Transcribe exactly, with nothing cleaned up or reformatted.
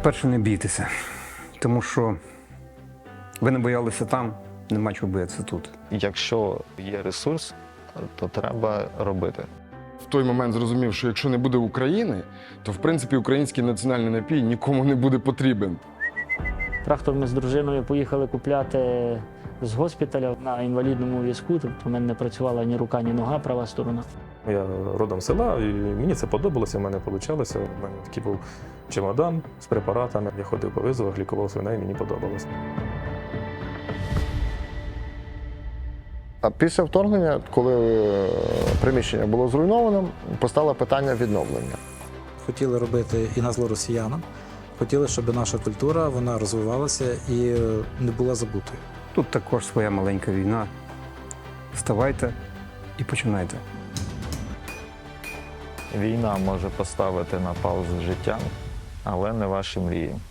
По-перше, не бійтеся, тому що ви не боялися там, нема чого боятися тут. Якщо є ресурс, то треба робити. В той момент зрозумів, що якщо не буде України, то в принципі український національний напій нікому не буде потрібен. Трактор ми з дружиною поїхали купляти з госпіталя на інвалідному візку. Тобто в мене не працювала ні рука, ні нога, права сторона. Я родом з села, і мені це подобалося, в мене вийшло. У мене такий був чемодан з препаратами. Я ходив по визовах, лікував свиней, мені подобалося. А після вторгнення, коли приміщення було зруйновано, постало питання відновлення. Хотіли робити і на зло росіянам, хотіли, щоб наша культура вона розвивалася і не була забутою. Тут також своя маленька війна. Вставайте і починайте. Війна може поставити на паузу життя, але не ваші мрії.